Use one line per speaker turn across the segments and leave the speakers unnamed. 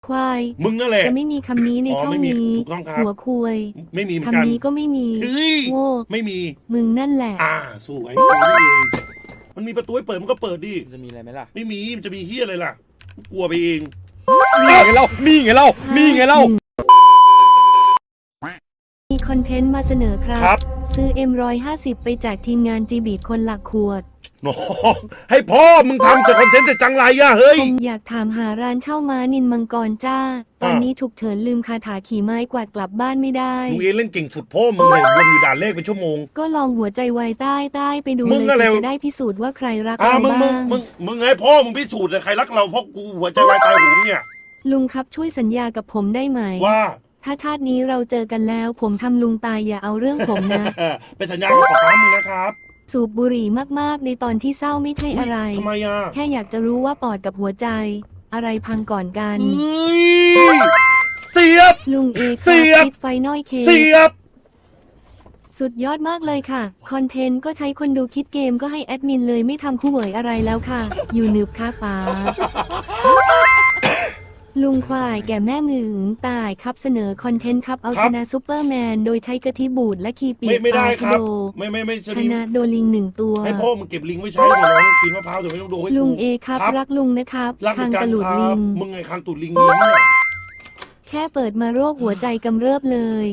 ควาย
มึงนั่นแหละ
จะไม่มีคำนี้ในช่องนี้
ถูกต้องครับ
หัวคุย
ไม่มีเหมือนกัน
คำนี้ก็ไม่มีโง่
ไม่มี
มึงนั่นแหละ
สวยกูนี่เองมันมีประตูให้เปิดมันก็เปิดดิ
มันจะมีอะไรไหมล่ะ
ไม่มีมันจะมีเฮียอะไรล่ะกลัวไปเอง
นี่ไงเรา
มีคอนเทนต์มาเสนอครับซื้อ M150 ไปแจกทีมงานจีบีคนหลักขวด
น้องให้พ่อมึงทำแต่คอนเทนต์แต่จังไรอะเฮ้ย
ผมอยากถามหาร้านเช่าม้านินมังกรจ้าตอนนี้ฉุกเฉินลืมคาถาขี่ไม้กวาดกลับบ้านไม่ได้
มึงเล่นเก่งสุดพ่อมึงเลยวนอยู่ด่านเลขเป็นชั่วโมง
ก็ลองหัวใจวายใต้ไปดูเลยจะได้พิสูจน์ว่าใครรักเราบ้าง
มึงให้พ่อมึงพิสูจน์เลยใครรักเราเพราะกูหัวใจวายตายหูเนี่ย
ลุงครับช่วยสัญญากับผมได้ไหม
ว่า
ถ้าชาตินี้เราเจอกันแล้วผมทำลุงตายอย่าเอาเรื่องผมนะ
เป็นสัญญากับป๊ามึงนะครับ
สูบบุหรี่มากๆในตอนที่เศร้าไม่ใช่อะไร
ทำไมอ่ะ
แค่อยากจะรู้ว่าปอดกับหัวใจอะไรพังก่อนกัน
เสียบ
ลุงเอกครับปิดไฟน้อยเค
เสียบ
สุดยอดมากเลยค่ะคอนเทนต์ก็ใช้คนดูคิดเกมก็ให้แอดมินเลยไม่ทำคู่เหวยอะไรแล้วค่ะอยู่หนึบค่ะป๋าลุงควายแก่แม่มือตายครับเสนอคอนเทนต์ครับเอาชนะซูเปอร์แมนโดยใช้กะทิบูดและคีปี
ไม่ได้ครับไม่
ชนะโดลิง1 ตัว
ให้พ่อมึงเก็บลิงไว้ใช้เดี๋ยวน้องกินมะพร้าวเดี๋ยวไม่ต้องดูให้
ลุงเอครับรักลุงนะครับ
คางตะลุดลิงมึงไงคางตุดลิงเนี่ย
แค่เปิดมาโรคหัวใจกำเริบเลย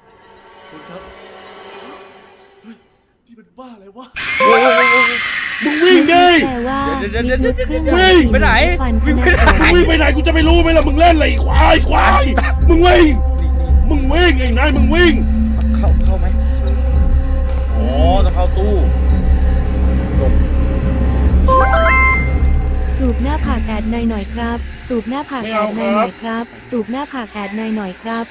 ที่เป็นบ้าอะไรวะมึงวิ่งดิ
แต่ว่า
วิ่งไปไหน
วิ่งไปไหนกูจะไม่รู้ไหมล่ะมึงเล่นอะไรควายมึงวิ่งไอ้นายมึงวิ่ง
เข้าไหมอ๋อต้องเข้าตู้
จูบหน้าผากแอดนายหน่อยครับจูบหน้าผากแอดนายหน่อยครับจูบหน้าผากแอดนายหน่อยครับ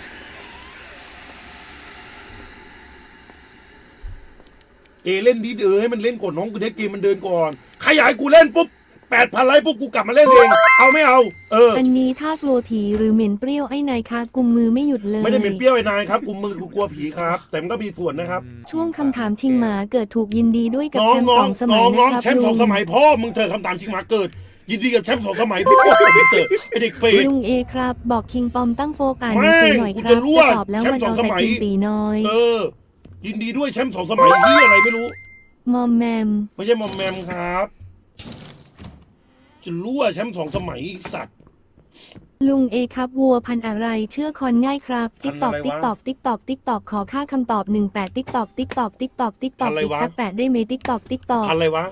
เล่นดีให้มันเล่นก่อนน้องกูได้เกมมันเดินก่อนขยายกูเล่นปุ๊บ8,000 ไลค์ปุ๊บกูกลับมาเล่นเองเอาไม่เอา
อันนี้ถ้ากลัวผีหรือเหม็นเปรี้ยวไอ้นายคะกุมมือไม่หยุดเลย
ไม่ได้เหม็นเปรี้ยวไอ้นายครับกุมมือกูกลัวผีครับแต่มันก็มีส่วนนะครับ
ช่วงคำถามชิงหมาเกิดถูกยินดีด้วยกับแชมป์2 สมัยนะครับ
แชมป์2 สมัยพ่อมึงเธอคำถามชิงหมาเกิดยินดีกับแชมป์2 สมัยพ่อมึงเกิดไอเด็กเปรต
ลุงเอครับบอกคิงปอมตั้งโฟกัสหน่อยครับจะสอบแล้วมันเอาแต่กินตีน้อย
ยินดีด้วยแชมป์2 สมัยที่อะไรไม่รู้
มอมแมม
ไม่ใช่มอมแมมครับจะรู้ว่าแชมป์2 สมัยสัตว์
ลุงเอครับวัวพันอะไรเชื่อคอนง่ายครับติ๊กตอกขอค่าคำตอบ18ติ๊กตอกอีกสัก8ได้ไหมติ๊กตอก
อะไรวะ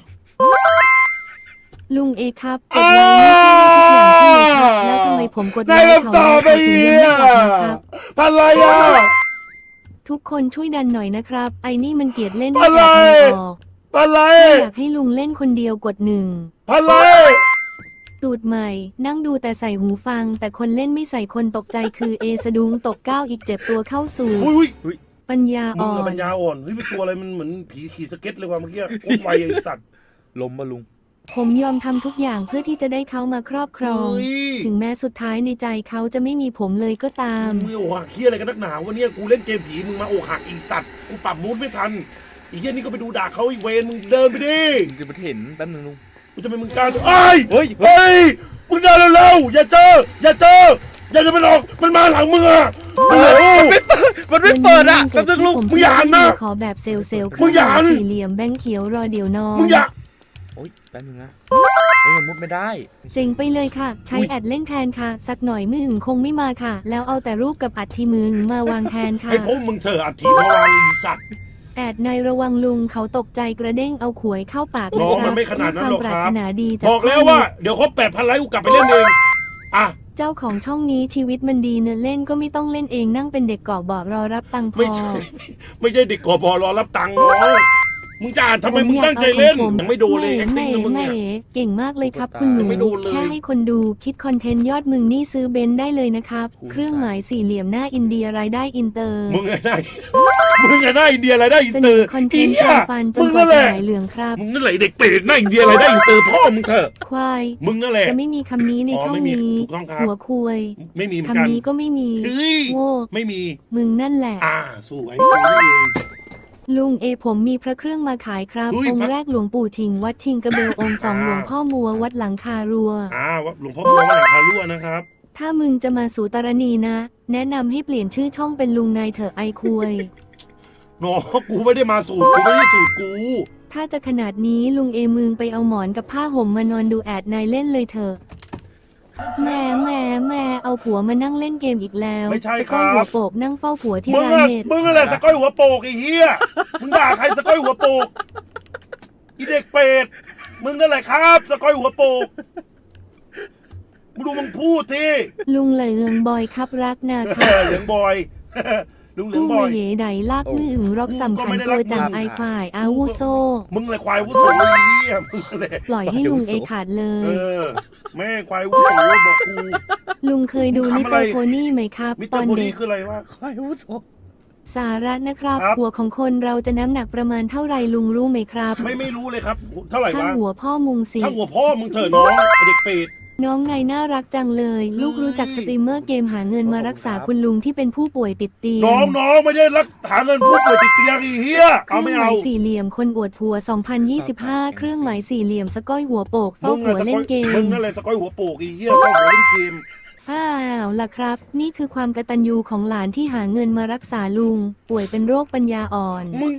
ลุงเอครับกดไลค์ไม่ใช่ทุกอย่างที่แล้วทำไมผมกดไลค์เขาไม่ถึงยังไม่ตอบนะครับ
อะไรอ่ะ
ทุกคนช่วยดันหน่อยนะครับไอ้นี่มันเกลียดเล่นไม่อยากออกอยากให้ลุงเล่นคนเดียวกด1ตูดใหม่นั่งดูแต่ใส่หูฟังแต่คนเล่นไม่ใส่คนตกใจคือเอสะดุ้งตก9อีกเจ็บตัวเข้าสู่ปัญญาอ่อน
เฮ้ยเป็นตัวอะไรมันเหมือนผีขี่สเก็ตเลยว่ะเมื่อกี้โคตรไวไอ้สัตว์
ล้มมาลุง
ผมยอมทำทุกอย่างเพื่อที่จะได้เขามาครอบครองถึงแม้สุดท้ายในใจเขาจะไม่มีผมเลยก็ตาม
มึงโอหักเฮียอะไรกันนักหนาวะเนี่ยกูเล่นเกมผีมึงมาโอหักอีสัตว์กูปรับมูดไม่ทันอีเฮียนี่ก็ไปดูด่าเขาอีเวนมึงเดินไปดิ
จะมาเห็นแป๊บนึงลุง
กูจะเป็นมึงการเฮ้ยมึงเดินเร็วๆอย่าเจออย่าจะมันออกมันมาหลังมึงอ่ะ
มันไม่เปิดอ่ะแป๊บนึงลุง
มึงอย่าหันนะขอแบบเซล
มึงอย่าหัน
สี่เหลี่ยมแบงค์เขียวรอเดี๋ยวน้อง
มึงอย่า
โอ๊ยแป๊บนึงนะมันมุดไม่ได้
เจ๋งไปเลยค่ะใช้แอดเล่นแทนค่ะสักหน่อยมือคงไม่มาค่ะแล้วเอาแต่รูปกับอัฐิมึงมาวางแทนค่ะ
ให้พวกมึงเถอะอัฐิมาวางอีสัตว์
แอดในระวังลุงเขาตกใจกระเด้งเอาขวยเข้าปาก
น้องมันไม่ขนาดนั้นหรอกครับ
บ
อกแล้วว่าเดี๋ยวครบ8,000 ไลค์กูกลับไปเล่นเอง
เจ้าของช่องนี้ชีวิตมันดีเนื้อเล่นก็ไม่ต้องเล่นเองนั่งเป็นเด็กก่อบอรอรับตังค์พอ
ไม่ใช่เด็กก่อบอรอรับตังค์มึงจะอ่านทำไมมึงตั้งใจเล่นยังไม่โดนเลยแม่
เก่งมากเลยครับคุณหนูแค่ให้คนดูคิดคอนเทนต์ยอดมึงนี่ซื้อเบนซ์ได้เลยนะครับเครื่องหมายสี่เหลี่ยมหน้าอินเดียรายได้อินเตอร์
มึงไงได้อินเดียรายได้อินเตอร์
คอนเทนต์การฟันจนกว่าจะหายเหลืองครับ
มึงนั่นแหละเด็กเปรตหน้าอินเดียรายได้อินเตอร์พ่อมึงเถอะ
ควาย
มึงนั่นแหละ
จะไม่มีคำนี้ในช่องนี้หัวคุย
ไม่มี
คำนี้ก็ไม่มีโง่
ไม่มี
มึงนั่นแหละ
สวยกูนี่เอง
ลุงเอผมมีพระเครื่องมาขายครับองค์แรกหลวงปู่ทิงวัดทิงกระเบลองค์2หลวงพ่อมัววัดหลังคารัว
หลวงพ่อมัววัดหลังคารัวนะครับ
ถ้ามึงจะมาสู่ตรณีนะ แนะนำให้เปลี่ยนชื่อช่องเป็นลุงนายเถอะไอคุย
น้องกูไม่ได้มาสูตรกูไม่ได้สูตรกู
ถ้าจะขนาดนี้ลุงเอมึงไปเอาหมอนกับผ้าห่มมานอนดูแอดนายเล่นเลยเถอะแม่เอาผัวมานั่งเล่นเกมอีกแล้ว
ไม่ใช่
ส
ค
ก้อย
รั
หัว
บ
โปกนั่งเฝ้าผัวที่
มึง
ร้าน
อะ
เน็ต
มึงอะไรสก้อยหัวโปกไอ้เหี้ยมึงด่าใครสก้อยหัวโปกอีเด็กเป็ดมึงนั่นแหละครับสก้อยหัวโปกมึงดูมึงพูดที
ลุงเหลืองบอยครับรักนา
เห
ครับ
ลืองบอย ลุงเหลือง
กู้
บอ
มาย เหยไดลากมืออึงรอกสำคัญตัวจังไอควายอาวุโซ
มึงเลยควายวุ้นโสไอ้เหี้ยมึงเลย
ปล่อยให้ลุงเอขาดเล
เอย อแม่ควายวุ้นโสบอกกู
ลุงเคยดู
มึ
มิ
ง
ส
ทำ
เต
อะไร
อร์โพนี่ไหมครับ
มิสเต
ต
อ
อน
ร์โพ
เด็
นี่
ก
คืออะไรวะ
ควายวุโส
สาระนะครับ
ครับ
หัวของคนเราจะน้ำหนักประมาณเท่าไรลุงรู้ไหมครับ
ไม่รู้เลยครับ เท่าไหร่
ช่าง
วะ
หัวพ่อมุงสิ
ช่างหัวพ่อมึงเถอะน้องไอ้เด็กเป็ด
น้องนายน่ารักจังเลย ลูกรู้จักสตรีมเมอร์เกมหาเงินมารักษาคุณลุงที่เป็นผู้ป่วยติดเตียง
น้องไม่ได้รักหาเงินผู้ป่วยติดเตียงไอ้เหี้ย
เครื่
เอา
อง
ไม่
หมา
เอา
ยสี่เหลี่ยมคนอวดผัว 2025 เครื่องหมายสี่เหลี่ยมสก้อยหัวโปกเฝ้า
มึง
ผัว
อะ
เล่นเก
มึ
ม
งนั่นแหละสก้อยหัวโปกไอ้เหี้ยเข้าหัวเล่นเกม
อ้าวล่ะครับ นี่คือความกตัญญูของหลานที่หาเงินมารักษาลุง ป่วยเป็นโรคปัญญาอ่อน
มึง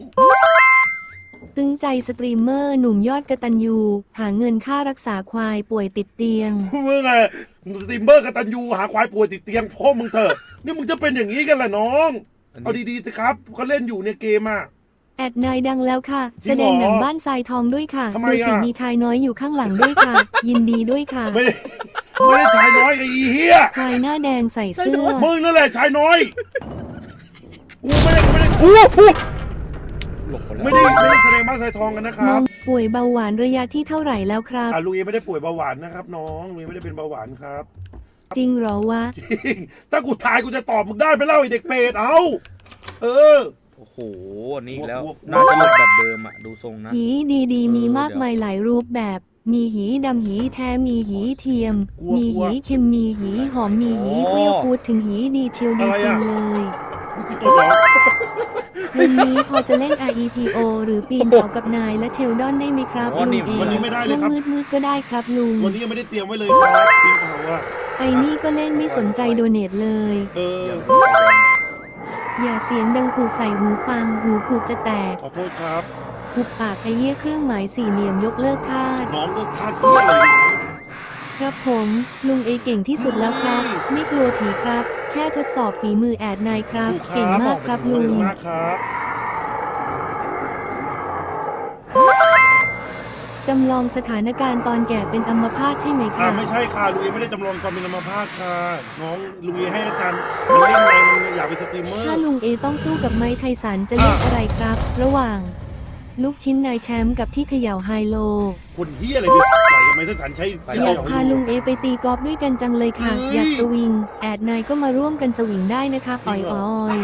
ตึงใจสตรีมเมอร์หนุ่มยอดกตัญญูหาเงินค่ารักษาควายป่วยติดเตียง
มึงอะสตรีมเมอร์กตันยูหาควายป่วยติดเตียงพ่อมึงเถอะนี่มึงจะเป็นอย่างนี้กันเหรอน้อง เอาดีๆสิครับเขาเล่นอยู่ในเกมอะ
แอดนายดังแล้วค่ะ
จริงเหรอ
แสดงหนังบ้านทรายทองด้วยค่ะ
ทำไม
ดูสิ
อ่ะ
มีชายน้อยอยู่ข้างหลังด้วยค่ะ ยินดีด้วยค่ะ
ไม่ได้ชายน้อยไอ้เหี้ย
ควายหน้าแดงใส่เสื้อ
มึงนั่นแหละชายน้อยกูไม่ได้
หลบคนแล้ว
ไม่ได้แสดงบ้านทรายทองกันนะค
น้
รั
อบ งป่วยเบาหวานระยะที่เท่าไหร่แล้วครับ
ลุยไม่ได้ป่วยเบาหวานนะครับน้องลุยไม่ได้เป็นเบาหวานครับ
จริงเหรอวะ
จริงถ้ากูทายกูจะตอบมึงได้ไปเล่าไอ้เด็กเป็ดเอาเออ
โอ้โหอันนี้อีกแล้ว
กลัว
น่าจะหลบแบบเดิมอ่ะ ดูทรงนะ
หีดีๆ มีมากมายหลายรูปแบบ มีหีดำหีแท้มีหีเทียม มีหีเค็มมีหีหอมมีหีเปรี้ยวพูดถึงหีดีเชียวดีจริงเลย
นี่คือตัวน้อง
วันนี้พอจะเล่น REPO หรือปีนเขากับนายและเชลดอนได้ไหมครับ
อ๋อ
ลุ
นี่
งเอ
วันนี้ไม่ได้เลยครับ
มืดๆก็ได้ครับลุง
วันนี้ยังไม่ได้เตรียมไว้เลยครับปีนเขาอะ
ไอ้นี่ก็เล่นไม่สนใจโดเนทเลย
เออ
อย่าเสียงดังกูใส่หูฟังหูกูจะแตก
ขอโทษครับ
หุบปากไอ้เหี้ยเครื่องหมายสี่เหลี่ยมยกเลิกคาด
น้องเลิกทาสเพื่ออะไรน้อง
ครับผมลุงเอเก่งที่สุดแล้วครับ ไม่กลัวผีครับ แค่ทดสอบฝีมือแอดนายครับ
ถูกครับ
เก่งมากครับ
ข
ลุ
อบ
ง
คุณมากครับ
จำลองสถานการณ์ตอนแก่เป็นอัมพาตใช่ไหมคะ
ไม่ใช่ค่ะลุยไม่ได้จำลองตอนเป็นอัมพาตค่ะน้องลุยให้อาจารย์มันเล่นไงมันอยากเป็นสตรีมเมอร์
ถ้าลุงเอต้องสู้กับไม้ไทสันจะเลือกอะไรครับ ระหว่าง ลูกชิ้นนายแชมป์กับที่เขย่าไฮโล
คนเฮียอะไรไปต่อยกับไมค์สันใช้
อยากพาลุงเอไปตีกอล์ฟด้วยกันจังเลยค่ะ อยากสวิง แอดนายก็มาร่วมกันสวิงได้นะคะอ่อย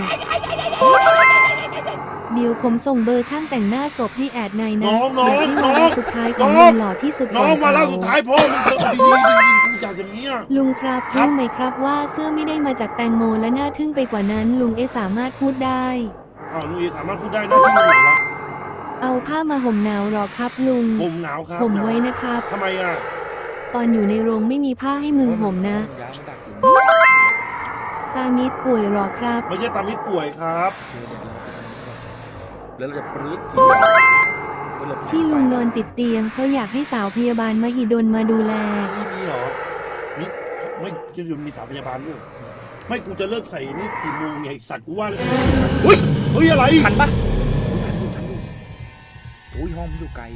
เดี๋ยวผมส่งเบอร์ช่างแต่งหน้าศพให้แอดนายนะ
น้อง
เดี๋ยวที่มาเล่าสุดท้ายของ
น้
ลุ
อง
งหล่อที่สุด
น้อง
ก่
มาเล่า
ข
สุดท้ายพ่อมึงเถอะดีๆกูอยากอย่างเนี้ย
ลุงครับ
ครับ
รู้ไหมครับว่าเสื้อไม่ได้มาจากแตงโมและน่าทึ่งไปกว่านั้น ลุงเอสามารถพูดได้
อ้าวลุยสามารถพูดได้นะที่มึงเหรอวะ
เอาผ้ามาห่มหนาวหรอครับลุง
ผมหนาวครับ
ห่ม
หนาว
ไว้นะครับ
ทำไมอ่ะ
ตอนอยู่ในโรงไม่มีผ้าให้มึงห่มนะ
ย้ายมาดักอยู่
ตามิดป่วยหรอครับ
ไม่ใช่ตามิดป่วยครับ
แล้วเราจะปรื้ดทีเดียวแล้วเรา
ที่ลุงนอนติดเตียงเพราะอยากให้สาวพยาบาลมหิดลมาดูแล
นี่มีเหรอนี่ไม่จะอยู่มีสาวพยาบาลด้วยไม่กูจะเลิกใส่นี่กี่โมงไงไอ้สัตว์กูว่าเลยเฮ้ยอะไร
ทันปะทันอยู่โอ้ยห้องมันอยู่ไกล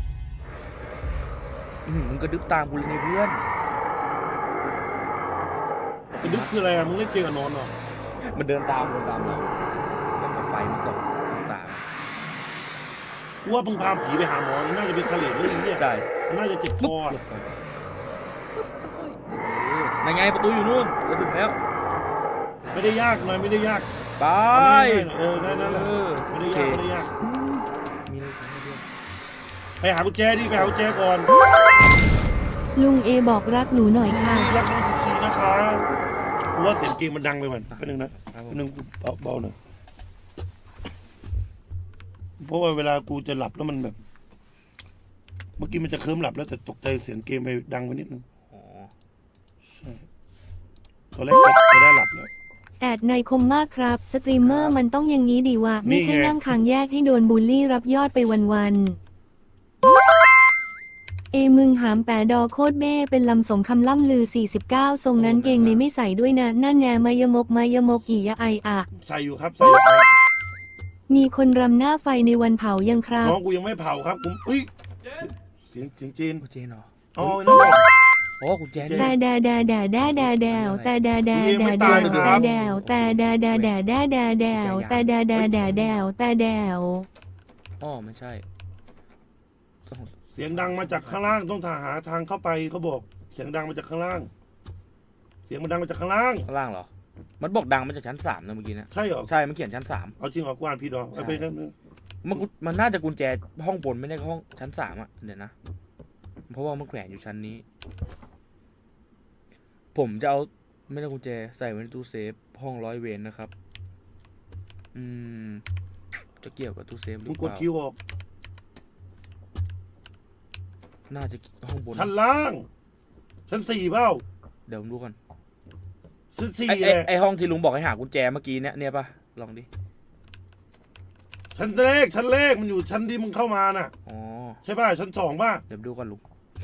มึงก็ดึกตามกูเลยในเพื่อน
กระดึกคืออะไรอะมึงเล่นเกมกับนอนเหรอ
มันเดินตามเราแล้วก็ไฟมันส่องตาม
กูว่ามึงพาผีไปหาหมอน่าจะเป็นเฉลดเรื่องนี้
ใช่
มันน่าจะเจ็บค
ปุ๊บ
อ
หลบก่อนปุ๊บค่อยๆนั่นไงประตูอยู่นู่นจะถึงแล้ว
ไม่ได้ยากนายไม่ได้ยาก
ไป
เออแค่นั้นแหละไม่ได้ยากไม่ได้ยาก
มีอะไรกันด้วย
ไปหากุญแจดิไปหากุญแจก่อน
ลุงเอบอกรักหนูหน่อยค่ะ
รักน้องซีนะคะกูว่าเสียงเกมมันดังไปมันแป๊บนึงนะแป๊บนึงเบาๆหน่อยเพราะว่าเวลากูจะหลับแล้วมันแบบ เมื่อกี้มันจะเคลิ้มหลับแล้วแต่ตกใจเสียงเกมไปดังไปนิดนึง
อ๋อ
ใช่ตอนแรกจะได้หลับเลย
แอดในคมมากครับ สตรีมเมอร์มันต้องอย่างนี้ดีวะ
นี่
ไม่ใช่
ไง
นั่งคางแยกให้โดนบูลลี่รับยอดไปวันๆเอมึงหามแปะดอโคตรเบ้เป็นลำสมคำล่ำลือ 49 ทรงนั้นเกงในไม่ใส่ด้วยนะนั่นแนมายมกอียะไออะ
ใส่อยู่ครับใส่อยู่ครับ
มีคนรำหน้าไฟในวันเผายังครับ
น้องกูยังไม่เผาครับผมเฮ้ยเสียงจีน
คุณเจนเหรอ
อ๋อนั่นแหละ
โอ้คุณเจน
แต่
เนี่ย
แต่
อ๋อไม่ใช่
เสียงดังมาจากข้างล่างต้องหาทางเข้าไปเขาบอก เสียงดังมาจากข้างล่าง เสียงมันดังมาจากข้างล่าง
ข้างล่างเหรอ มันบอกดังมาจากชั้น 3นะเมื่อกี้นะ
ใช่เหรอ
ใช่มันเขียนชั้น
เอาจริงเหรอกวานพี่ดอกเอาไปครับ
3มันน่าจะกุญแจห้องบนไม่ได้ห้องชั้น 3อ่ะเดี๋ยวนะเพราะว่ามันแขวนอยู่ชั้นนี้ ผมจะเอาไม่ได้กุญแจใส่ไว้ในตู้เซฟห้อง100 เวรนะครับจะเกี่ยวกับตู้เซฟหรือ
มึง
เป
กด
ล่า
คิวออก
น่าจะห้องบน
ชั้นล่าง ชั้น4เปล่า
เดี๋ยวผมดูก่อน
ชั้น
ไอ
4แหละ
ไอห้องที่ลุงบอกให้หากุญแจเมื่อกี้เนี่ยปะลองดิ
ชั้นแรกมันอยู่ชั้นที่มึงเข้ามาน่ะ
อ๋อ
ใช่ป่ะชั้น2ป่ะ
เดี๋ยวดูก่อนลุง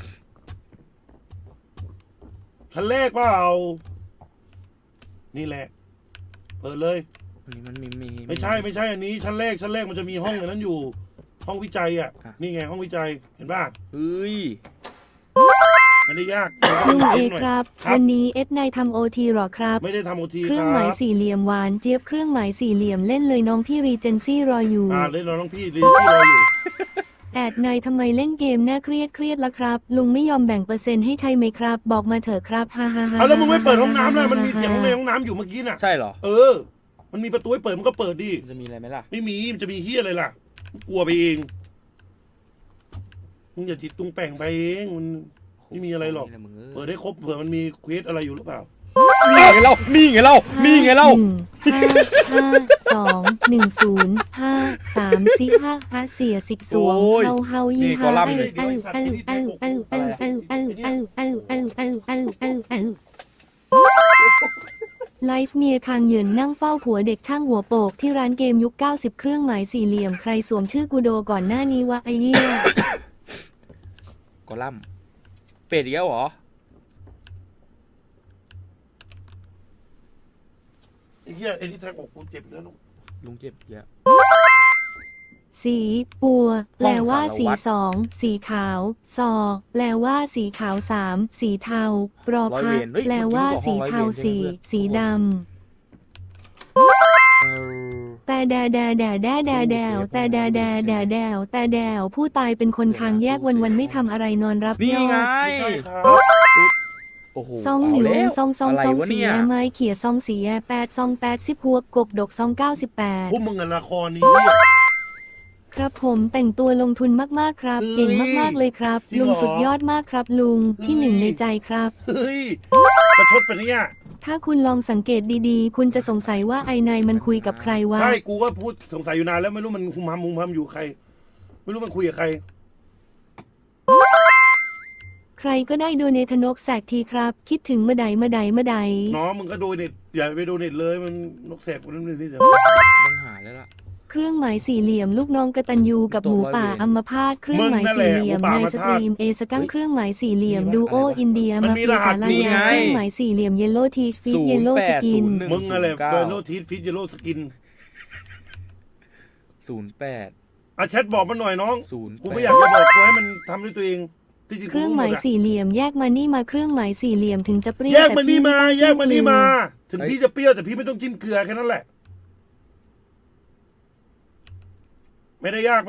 ชั้นแรกเปล่านี่แหละ เปิดเลย
อันนี้มันมี
ไม่ใช่อันนี้ชั้นแรกมันจะมีห้องอันนั้นอยู่ ห้องวิจัยอ่ะ
อ่ะ
นี่ไงห้องวิจัยเห็นป่ะ
เฮ้ย
ไม่ได้ยาก
ลุงเอ
หน่ย
ครับ
ครับ
วันนี้เอสนายทำโอทีหรอครับ
ไม่ได้ทำโอที
เค
ค
รื่องหมาย
รับ
สี่เหลี่ยมหวานเจี๊ยบเครื่องหมายสี่เหลี่ยมเล่นเลยน้องพี่รีเจนซี่รออยู่
เล่นน้องพี่รีที่รออยู่
แอดนายทำไมเล่นเกมน่าเครียดละครับ ลุงไม่ยอมแบ่งเปอร์เซ็นต์ให้ใช่ไหมครับ บอกมาเถอะครับฮ่าฮ่าฮ่า
เอาแล้วมึงไม่เปิดห้องน้ำล่ะมันมีเสียงในห้องน้ำอยู่เมื่อกี้น่ะ
ใช่เหรอ
เออ มันมีประตูให้เปิดมันก็เปิดดิ
มันจะมีอะไรไหมล่ะ
ไม่มีมันจะมีเฮียอะไรล่ะกลัวไปเองมึงอย่าจิตตุงแต่งไปเองมันไม่มีอะไรหรอก
นี่แหละมึง
เปิดได้ครบเผื่อมันมีเควสอะไรอยู่หรือเปล่า
นี่ไงเล่านี่ไงเล่านี่ไงเล่า
1 5 5 2 1 0 5 3 4 5 เสียสิกสวงเฮายี่ห้าไลฟ์เมียคางเหยินนั่งเฝ้าผัวเด็กช่างหัวโปกที่ร้านเกมยุค 90 เครื่องหมายสี่เหลี่ยมใครสวมชื่อกูโดก่อนหน้านี้วะไอ้เหี้ย
กอลัมน์เป็ดอีกแล้วเหรอ
ไอ้เหี้ยไอ้นี่แทงอกกูเจ็บแล้วลูก
ลุงเจ็บอีกแล้ว
สีปัวแปลว่า
ห้อง
สี
สารวัตร
สองสีขาวซอแปลว่าสีขาวสามสีเทาปรอพักแปลว่าสีเทาสี่สีดำแต่แดวผู้ตายเป็นคนคางแยกวันไม่ทำอะไรนอนรับ
นี่
ยอ
ไง
ด
ไม่ใช่ครับ
โอ้โห
ซองหนิว
เาแล้ว
ซอง
อะไรวะ
สี
เนี่ย
ไม้เขี่ยซองสี8ซอง10พวกกกดกซอง98
พวกมึงอะละครนี้เนี่ย
ครับผมแต่งตัวลงทุนมากๆครับ
เฮ้ย
เก่งมากๆเลยครับ
จริงเหรอ
ลุงสุดยอดมากครับลุงที่หนึ่งในใจครับ
เฮ้ยประชดไปะเนี่ย
ถ้าคุณลองสังเกตดีๆ คุณจะสงสัยว่าไอ้นายมันคุยกับใครวะ
ใช่กูก็พูดสงสัยอยู่นานแล้วไม่รู้มันคุมหำอยู่ใคร ไม่รู้มันคุยกับใคร
ใครก็ได้โดเนทนกแสกทีครับ คิดถึงมาใด
น้องมึงก็โดนเน็ตอย่าไปโดนเน็ตเลยมันนกแสกคนนั้นนี่เดี๋ยว
ต้องหาแล้วล่ะ
เครื่องหมายสี่เหลี่ยมลูกน้องกตัญญูกับหมูป่าอัมพาตเครื่องหมายสี่เหลี่ยมในสตรีมเอสกังเครื่องหมายสี่เหลี่ยมดูโออินเดียมาฟีสาลายาเครื่องหมายสี่เหลี่ยมเยลโล่ทีฟิตเยลโล่สกิน
มึงอะไรเบโลทีสฟิชเยโลสกิน
08
อ่ะแชทบอกมันหน่อยน้อง
08
กูไม่อยากจะบอกกูให้มันทำด้วยตัวเองที่จริง
เครื่องหมายสี่เหลี่ยมแยกมานี่มาเครื่องหมายสี่เหลี่ยมถึงจะเปรี้ยว
แยกมันนี่มา
แต่พี่
แยกมันนี่มา
ไต้องจิ้
ถึงพี่จะเปรี้ยวแต่พี่ไม่ต้องจิ้มเกลือแค่นั้นแหละ ไม่ได้ยาก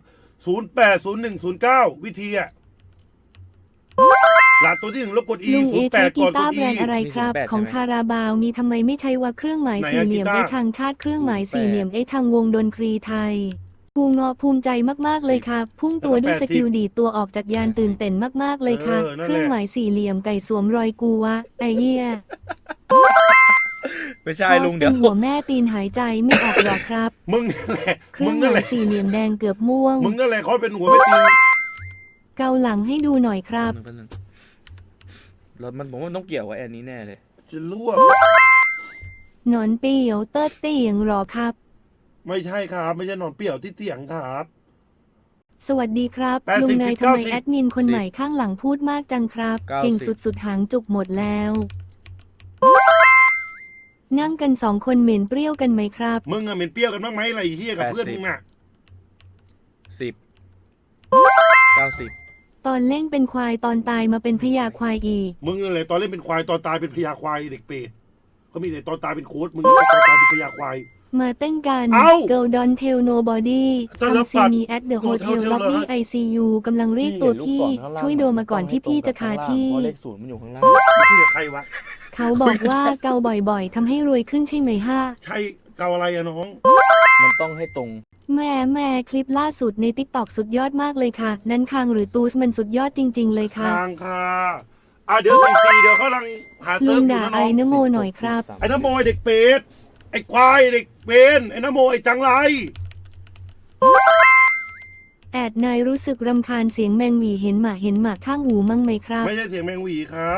080109วิธีอะหลาดตัวที่1แล้วกด E
ลุงเอใช้
08
กี
ก่อนก
ตา
ด
ร์แบร
E
นด์อะไรครับ ของคาราบาวมีทำไมไม่ใช้ว่าเครื่องหมายสี่เหลี่ยม
ไหน
ไอ
อะ
ทางชาติเครื่องหมายสี่เหลี่ยมไอทางวงดนตรีไทยภูงอภูมิใจมากๆเลยครับ พุ่งตัวด้วยสกิลดีดตัวออกจากยานตื่นเต้นมากๆเลยค่ะ เครื่องหมายสี่เหลี่ยมไก่สวมรอยกูวะไอเหี้ย
ไม่ใช่ลุงเดี๋ยว
หัวแม่ตีนหายใจไม่ออกหรอกครับ
มึงนั่นแหละ
เครื่
มึ
อง
ง
ห
นั่น
มา
แห
ย
ละ
สี่เหลี่ยมแดงเกือบม่วง
มึงนั่นแหละเขาเป็นหัวไม่ตีน
เกาหลังให้ดูหน่อยครับ
แล้วมันผมว่ามันต้องเกี่ยวกับอันนี้แน่เลย
จะลวก
หนอนเปียวเติร์ดเตียงหรอครับ
ไม่ใช่ครับ ไม่ใช่หนอนเปรี้ยวที่เตียงครับ
สวัสดีครับ
80
ลุงนายทำไม
90
แอดมินคนใหม่ข้างหลังพูดมากจังครับ
90
เก่งสุดๆหางจุกหมดแล้ว นั่งกัน2 คนเหม็นเปรี้ยวกันไหมครับ
มึงอะเหม็นเปรี้ยวกันบ้างไหมอะไรเฮียกับเพื่อนมึงอะ
10 90
ตอนเล่นเป็นควายตอนตายมาเป็นพญาควายอีก
มึงอะไรตอนเล่นเป็นควายตอนตายเป็นพญาควายเด็กเปรตเขามีแต่ตอนตายเป็นโค้ดมึงตอนตายเป็นพญาควาย
มาเต้นกัน
เอ้า
Girl Don't Tell Nobody
แต่ละ
ทำซีมี at the hotel
hotel
lobby
เหรอ
ICU กำลังเรียกตัวพี่ช่วยโดมาก่อนที่พี่จะคาที่
เพราะเลขศูนย์มันอยู่ข้างล่าง
คุยกับใครวะ
เขาบอกว่าเกาบ่อยๆทำให้รวยขึ้นใช่ไหมฮะ
ใช่เกาอะไรอะน้อง
มันต้องให้ตรง
แม่คลิปล่าสุดใน TikTok สุดยอดมากเลยค่ะ นั้นคางหรือตูสมันสุดยอดจริง ๆ เลยค่ะ
ทางค่ะเดี๋ยว44เดี๋ยวเขากำลังหา
ลุ
เซิร์ฟอยู่
งด่า
นะ
ไอ้
น้อง
นโมหน่อยครับ
ไอ้น้ำโมยเด็กเป็ดไอ้ควายเด็กเป็นไอ้น้ำโมยจังไร
แอดนายรู้สึกรำคาญเสียงแมงหวีเห็นหมาข้างหูมั่งไหมครับ
ไม่ใช่เสียงแมงหวีครับ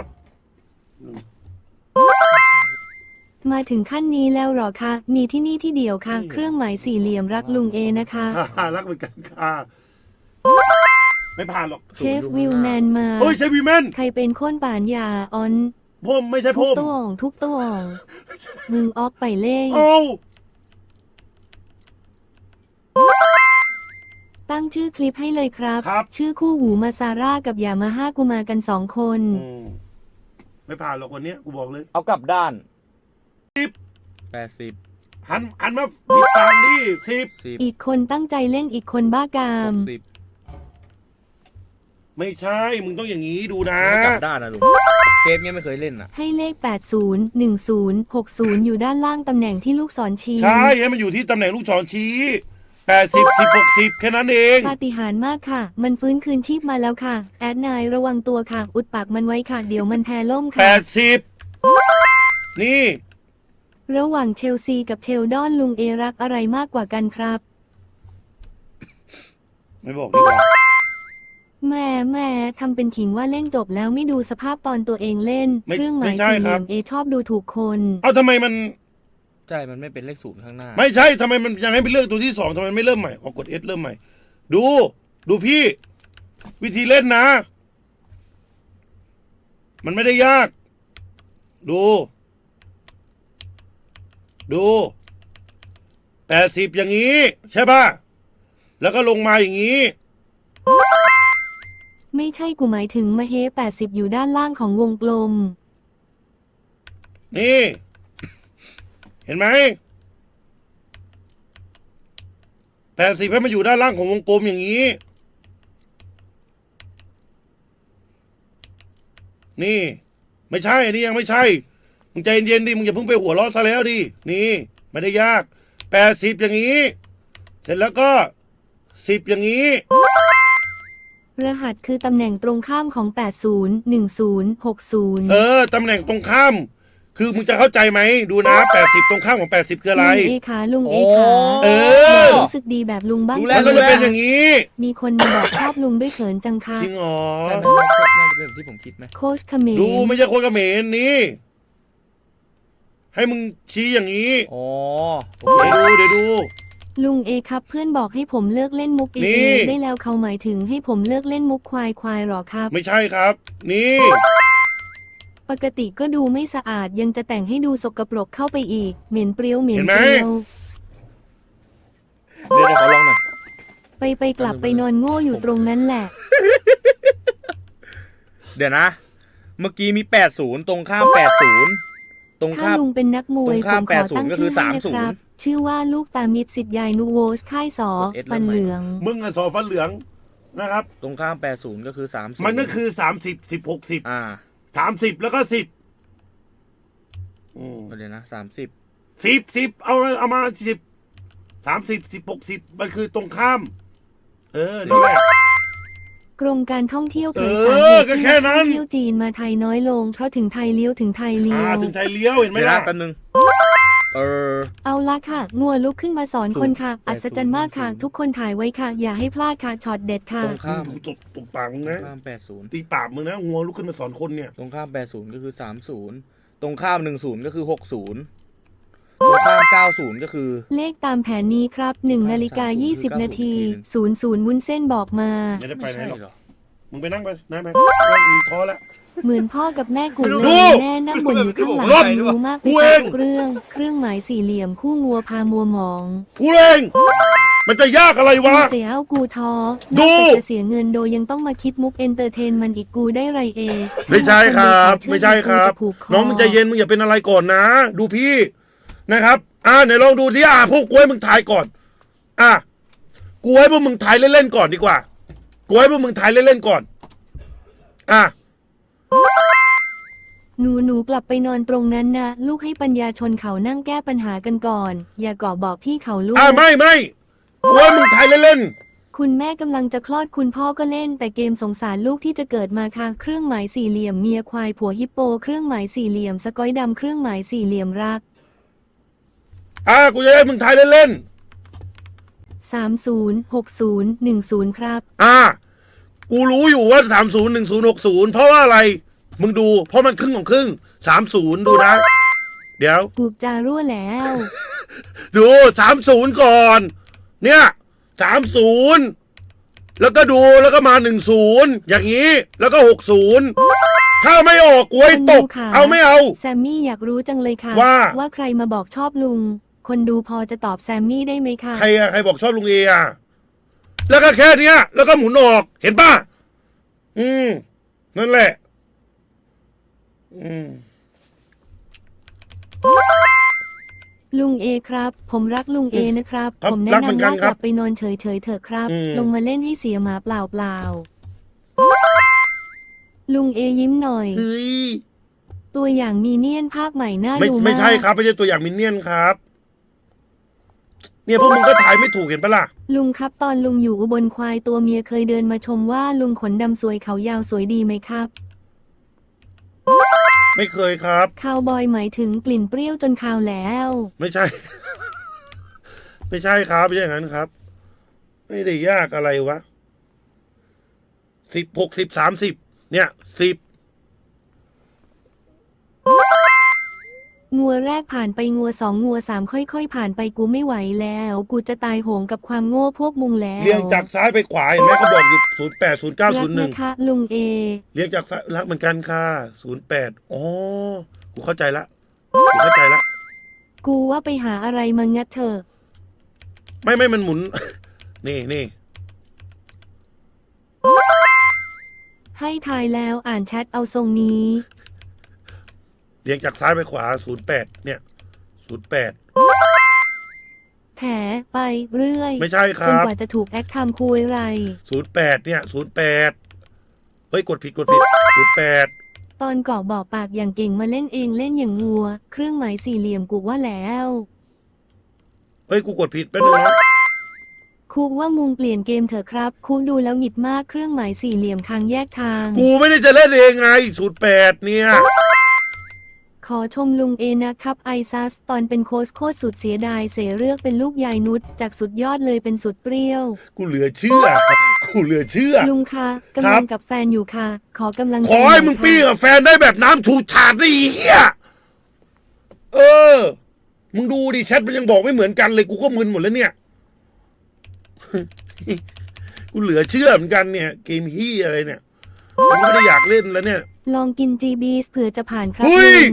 มาถึงขั้นนี้แล้วเหรอคะ มีที่นี่ที่เดียวค่ะ เครื่องหมายสี่เหลี่ยมรักลุงเอนะคะ
รักเหมือนกันค่ะไม่ผ่านหรอก
เชฟวิลแมนมา
เฮ้ยเชฟวีแมน
ใครเป็นคนป่านยาออน
ผมไม่ใช่
ทุ
ผ
ก
ม
ตัวมึงออฟไปเล่ง
โอ้
ตั้งชื่อคลิปให้เลยครับ
ครับ
ชื่อคู่หูมาซาร่ากับยามาฮ่ากูมากัน2 คน
ไม่ผ่านหรอกวันเนี้ยกูบอกเลย
เอากลับด้าน
10
80
หันมาปิดตางดิ10
10
อีกคนตั้งใจเล่นอีกคนบ้ากาม
60
ไม่ใช่มึงต้องอย่างนี้ดูนะ
ไม่กลับด้านนะลุงเซฟเนี่ยไม่เคยเล่นอ่ะ
ให้เลข 80 10 60 อยู่ด้านล่างตำแหน่งที่ลูกศรชี้
ใช่ให้มันอยู่ที่ตำแหน่งลูกศรชี้80 10 60แค่นั้นเอง
ปาฏิหาริย์มากค่ะ มันฟื้นคืนชีพมาแล้วค่ะ แอดนายระวังตัวค่ะ อุดปากมันไว้ค่ะ เดี๋ยวมันแทล่มค่ะ
80นี่
ระหว่างเชลซีกับเชลดอนลุงเอรักอะไรมากกว่ากันครับ
ไม่บอกดีกว่า
แม่ทำเป็นขิงว่าเล่นจบแล้วไม่ดูสภาพตอนตัวเองเล่น เครื่องหมายสี่เหลี่ยมเอชอบดูถูกคน
เอาทำไมมัน
ใช่มันไม่เป็นเลขศูนย์ข้างหน้า
ไม่ใช่ทำไมมันยังให้ไปเลือกตัวที่2ทำไมไม่เริ่มใหม่กด S เริ่มใหม่ ดูพี่ วิธีเล่นนะ มันไม่ได้ยาก ดู80อย่างนี้ ใช่ป่ะ แล้วก็ลงมาอย่างนี้
ไม่ใช่กูหมายถึงมาเฮ80อยู่ด้านล่างของวงกลม
นี่ เห็นไหม80ให้มันอยู่ด้านล่างของวงกลมอย่างนี้ นี่ ไม่ใช่อันนี้ยังไม่ใช่ มึงใจเย็นๆดิ มึงอย่าเพิ่งไปหัวเราะซะแล้วดิ นี่ ไม่ได้ยาก80อย่างนี้ เสร็จแล้วก็10อย่างนี้
รหัสคือตำแหน่งตรงข้ามของ 80 10 60
ตำแหน่งตรงข้าม คือมึงจะเข้าใจไหม ดูนะ80ตรงข้ามของ80คืออะไร
ลุงเอขาลุงเอขา
เออ
รู้สึกดีแบบลุงบ้าง
รู้
มั
แล้
น
ว
ก็จะเป็นอย่างนี้
มีคนมาบอกชอบลุงด้วยเขินจังค่ะ
จริงเหรอ
ใช่ไหมน่าจะเป็นแบบที่ผมคิดไหม
โค้ชเขมร
ดูไม่ใช่คนเขมรนี่ ให้มึงชี้อย่างนี้
อ๋อโอ
เดี๋ยวดู
ลุงเอครับเพื่อนบอกให้ผมเลิกเล่นมุก
นี่
เอได้แล้วเขาหมายถึงให้ผมเลิกเล่นมุกควายหรอครับ
ไม่ใช่ครับ นี่
ปกติก็ดูไม่สะอาดยังจะแต่งให้ดูสกปรกเข้าไปอีก เหม็นเปรี้ยว
เห็นไหม
เดี๋ยวขอลองหน่อย
ไปกลับไปนอนโง่อยู่ตรงนั้นแหละ
เดี๋ยวนะ เมื่อกี้มี80ตรงข้าม80ตรง
ถ้า
ข้าม
ลุงเป็นนักมวย
ตรง
ผ
ข้าม
มขอตั้ง
80ก็คื
ชื่
อ
อให้นะครับ ชื่อว่าลูกตามิดสิทธิ์ยายนูโวค่ายสอ
กด S
ฟันเหลือง
มึงอะสอฟันเหลืองนะครับ
ตรงข้าม80ก็คือ30
มันก็คือ30 10 60
อ่า
30แล้วก็10
เดี๋ยวนะ30
10เอามา10 30 10 60มันคือตรงข้าม นั่นแหละ
กรมการท่องเที่ยวเผย
เออ
สาเหตุ
ก็
ที่
แค่
นัก
นั้
ท่อน งเที่ยวจีนมาไทยน้อยลงเพราะถึงไทยเลี้ยว
ถึงไทยเลี้ยวเห็นไหม
เดี๋ยวนะ
ล่ะ
แป๊บนึง
เอาละค่ะงัวลุกขึ้นมาสอนคนค่ะ อัศจรรย์มากค่ะ ทุกคนถ่ายไว้ค่ะ อย่าให้พลาดค่ะช็อตเด็ดค่ะ
ตรงข้าม
ดูตบปากมึงนะ
ตรงข้าม80
ตีปากมึงนะงัวลุกขึ้นมาสอนคนเนี่ย
ตรงข้าม80ก็คือ30 ตรงข้าม10ก็คือ60ตรงข้าม90ก็คือ
เลขตามแผนนี้ครับ1:20 นาที00วุ้นเส้นบอกมา
ไม่ได้ไป
ไม่
ไหน
ใช่
หรอก
เหรอ
มึงไปนั่งไปนั่งไปมึงท้อแล้ว
เหมือนพ่อกับแม่กูเล
ดู
ยแม่นั่งบ่นอยู่ข้างหลัง
รถ
รู้มาก
กู
ไป
เอง
ทุกเรื่อง เครื่องหมายสี่เหลี่ยมคู่งัวพามัวหมอง
กูเองมันจะยากอะไรวะ
เสียเอากูท้อ
ดู
นอกจากจะเสียเงินโดยยังต้องมาคิดมุกเอนเตอร์เทนมันอีกกูได้ไรเอ
ไม่ใช่ครับ ไม่ใช่ครับ
กูจะผูกค
น้องมึงใจเย็นมึงอย่าเป็นอะไรก่อนนะ ดูพี่นะครับไหนลองดูดิพวกกูให้มึงถ่ายก่อนกูให้พวกมึงถ่ายเล่นๆก่อนดีกว่ากูให้พวกมึงถ่ายเล่นๆก่อน
หนูกลับไปนอนตรงนั้นนะลูกให้ปัญญาชนเขานั่งแก้ปัญหากันก่อน อย่าก่อบอกพี่เขาลูก
ไม่กูให้มึงถ่ายเล่น
คุณแม่กำลังจะคลอดคุณพ่อก็เล่นแต่เกมสงสารลูกที่จะเกิดมาค่ะเครื่องหมายสี่เหลี่ยมเมียควายผัวฮิปโปเครื่องหมายสี่เหลี่ยมสกอยดำเครื่องหมายสี่เหลี่ยมรัก
กูจะให้มึงถ่ายเล่น
306010ครับ
กูรู้อยู่ว่า301060เพราะว่าอะไรมึงดูเพราะมันครึ่งของครึ่ง30ดูนะเดี๋ยว
ปูกจารั่วแล้ว
ดู30ก่อน เนี่ย30แล้วก็ดูแล้วก็มา10อย่างนี้ แล้วก็60ถ้าไม่ออกกูให้ตก
คนดูค่ะ
เอาไม่เอา
แซมมี่อยากรู้จังเลยค่ะ
ว่า
ใครมาบอกชอบลุง คนดูพอจะตอบแซมมี่ได้ไหมคะ
ใครบอกชอบลุงเอแล้วก็แค่เนี้ยแล้วก็หมุนออกเห็นป่ะนั่นแหละ
ลุงเอครับ ผมรักลุงเอนะครับ
ครับ
ผมแนะ
รักเหมือน
นำ
กั
ว่าน ก
ครั
ลั
บ
บไปนอนเฉยๆเถอะครับ
อืม
ลงมาเล่นให้เสียหมาเปล่าลุงเอยิ้มหน่อย
เฮ้ย
ตัวอย่างมีเนียนภาคใหม่น่า
ไม่
ดูมาก
ไม่ใช่ครับไม่ใช่ตัวอย่างมินเนี่ยนครับ เนี่ยพวกมึงก็ถ่ายไม่ถูกเห็นปะล่ะ
ลุงครับตอนลุงอยู่อุบลควายตัวเมียเคยเดินมาชมว่าลุงขนดำสวยเขายาวสวยดีไหมครับ
ไม่เคยครับ
คาวบอยหมายถึงกลิ่นเปรี้ยวจนคาวแล้ว
ไม่ใช่ ไม่ใช่ครับไม่ใช่อย่างนั้นครับ ไม่ได้ยากอะไรวะ10 60 30เนี่ย10
งัวแรกผ่านไปงัวสองงัวสามค่อยๆผ่านไปกูไม่ไหวแล้ว กูจะตายโหงกับความโง่พวกมุงแล้ว
เรียงจากซ้ายไปขวาเห็นไหมเขาบอกอยู่08 09
รักนะคะ ลุงเอ
01เรียงจากซ้ายรักเหมือนกันค่ะ08อ๋อกูเข้าใจละกูเข้าใจละ
กูว่าไปหาอะไรมางัดเถอะ
ไม่มันหมุน นี่
ให้ทายแล้วอ่านแชทเอาทรงนี้
เรียงจากซ้ายไปขวา08เนี่ย08
แถไปเรื่อย
ไม่ใช่ค
จน
รับ
กว่าจะถูกแอคทำคุยไร
08เนี่ย08เฮ้ยกดผิด08
ตอนก่อบอกปากอย่างเก่งมาเล่นเองเล่นอย่างงัว เครื่องหมายสี่เหลี่ยมกูว่าแล้ว
เฮ้ยกูกดผิดแป๊บนึงนะ
คุกว่ามุงเปลี่ยนเกมเถอะครับคุกดูแล้วหงิดมากเครื่องหมายสี่เหลี่ยมทางแยกทาง
กูไม่ได้จะเล่นเองไง08เนี่ย
ขอชมลุงเอนะครับไอซัสตอนเป็นโค้ชโคตรสุดเสียดายเสียเลือกเป็นลูกยายนุชจากสุดยอดเลยเป็นสุดเปรี้ยว
กูเหลือเชื่อ
ลุงคะกำลังกับแฟนอยู่ค่ะ ขอกำลังใจ
ขอให้
น่ย
มึง
ค่ะ
ปี้กับแฟนได้แบบน้ำฉูดฉาดได้อีเหี้ยมึงดูดิแชทมันยังบอกไม่เหมือนกันเลยกูก็มึนหมดแล้วเนี่ย กูเหลือเชื่อเหมือนกันเนี่ย เกมฮี่อะไรเนี่ยกูไม่ได้อยากเล่นแล้วเนี่ย
ลองกินจีบีเผื่อจะผ่านครับ
เฮ้ย
ลุง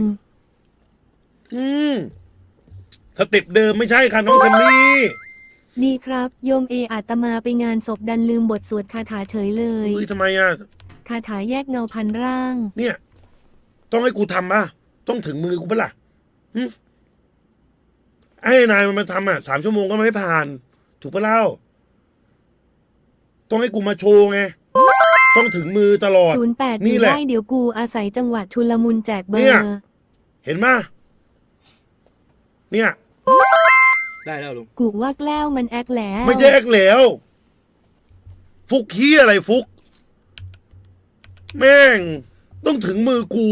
สเต็ปเดิมไม่ใช่ค่ะน้องคันนี่
ดีครับโยมเออาตมาไปงานศพดันลืมบทสวดคาถาเฉยเลย
เฮ้ยทำไมอ่ะ
คาถาแยกเงาพันร่าง
เนี่ย ต้องให้กูทำป่ะต้องถึงมือกูปะล่ะไอ้นายมันมาทำ3 ชั่วโมงก็ไม่ผ่าน ถูกปะเล่าต้องให้กูมาโชว์ไงต้องถึงมือตลอด
08
นี่
อยู่
แหละ
ได้เดี๋ยวกูอาศัยจังหวะชุลมุนแจกเบอ
เนี่ย
ร์
เห็นไหมเนี่ย
ได้แล้วลุง
กูว่าแกล้วมันแอคแล้ว
ไม่ใช่แอกแล้ว ฟุกขี้อะไรฟุก แม่ง ต้องถึงมือกู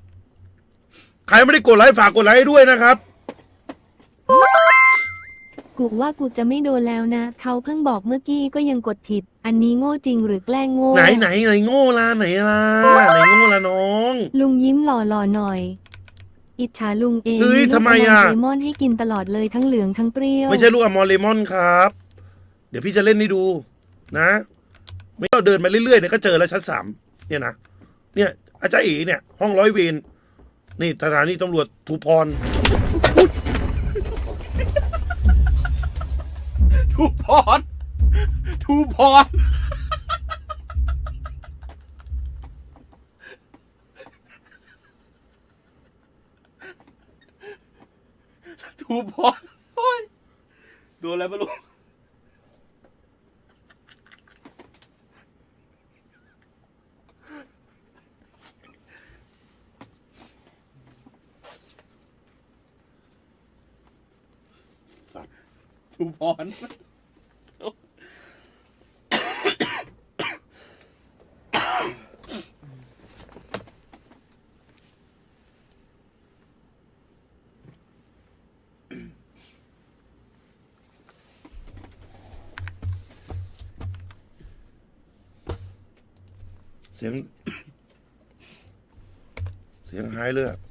ใครไม่ได้กดไลค์ฝากกดไลค์ด้วยนะครับ
กูว่ากูจะไม่โดนแล้วนะ เขาเพิ่งบอกเมื่อกี้ก็ยังกดผิด อันนี้โง่จริงหรือแกล้งโง่
ไหนโง่ล่ะไหนโง่ล่ะน้อง
ลุงยิ้มหล่อๆหน่อย อิจฉาลุงเอง
เฮ้ย
ลูก
ทำไมอะ
เลมอนให้กินตลอดเลยทั้งเหลืองทั้งเปรี้ยว
ไม่ใช่ลูกอมอลเลมอนครับ เดี๋ยวพี่จะเล่นให้ดูนะ ไม่ต้องเดินมาเรื่อยๆเนี่ยก็เจอแล้วชั้น3เนี่ยนะเนี่ยอาจารย์เอ๋เนี่ย ห้องร้อยเวรนี่สถานีตำรวจทูพร
ทูพรทูพรทูพรโอ้ยโดนอะไรไม่รู้ทูพร
เสียงหายเลยอะ